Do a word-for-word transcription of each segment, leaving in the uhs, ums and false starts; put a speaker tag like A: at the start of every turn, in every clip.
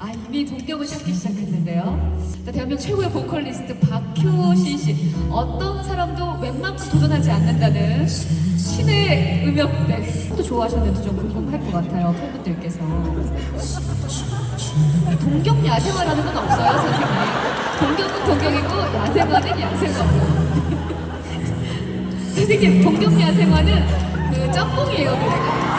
A: 아, 이미 동경을 찾기 시작했는데요. 자, 대한민국 최고의 보컬리스트 박효신 씨. 어떤 사람도 웬만큼 도전하지 않는다는 신의 음역대. 또 좋아하셨는지 좀 궁금할 것 같아요, 팬분들께서. 동경 야생화라는 건 없어요, 선생님. 동경은 동경이고 야생화는 야생화고. 선생님, 동경 야생화는 그 짬뽕이에요, 노래가.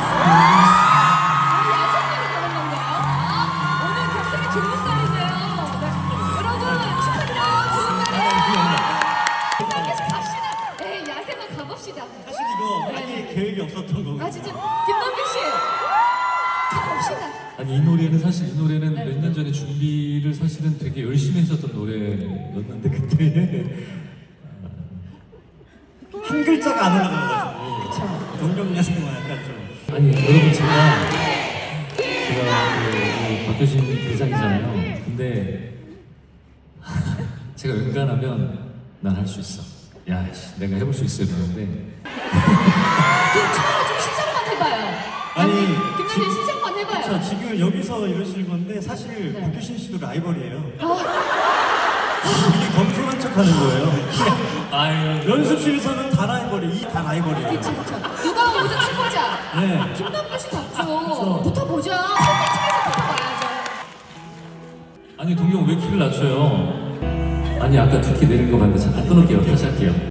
A: 아, 야생화로 가는 건가요? 아, 오늘 격상이 좋은 날이네요. 네. 여러분, 축하드려요. 좋은 날이에요. 김남규 씨 갑시다. 네, 야생화 가봅시다.
B: 사실 이거
A: 네.
B: 아예 계획이 없었던 거고.
A: 아, 진짜. 김남규 씨, 가봅시다.
C: 아니 이 노래는 사실 이 노래는
A: 네.
C: 몇 년 전에 준비를 사실은 되게 열심히 했었던 노래였는데 그때
B: 한 글자가 안 올라가가지고. 동경 야생화 약간 좀.
C: 아니 여러분 제가 제가 그, 그 박효신 대장이잖아요. 근데 제가 웬간하면 난 할 수 있어. 야 씨, 내가 해볼 수 있어 이러는데
A: 그럼 처음에 좀 시작만 해봐요.
B: 아니,
A: 김남규
B: 지-
A: 씨 시작만 해봐요.
B: 자, 지금 여기서 이러시는 건데 사실
A: 네.
B: 박효신 씨도 라이벌이에요.
A: 아,
B: 이게 검소한 척 하는 거예요.
C: 아유
B: 연습실에서는 다 라이벌이, 이 다 라이벌이에요.
A: 그쵸, 그쵸. 누가 오든 해보자.
B: 네.
A: 김남규 씨 답죠.
B: 그쵸.
A: 붙어보자. 소개팅에서 붙어봐야죠.
C: 아니 동경 왜 키를 낮춰요? 아니 아까 두 키 내린 거 봤는데 잠깐 끊을게요. 다시 할게요.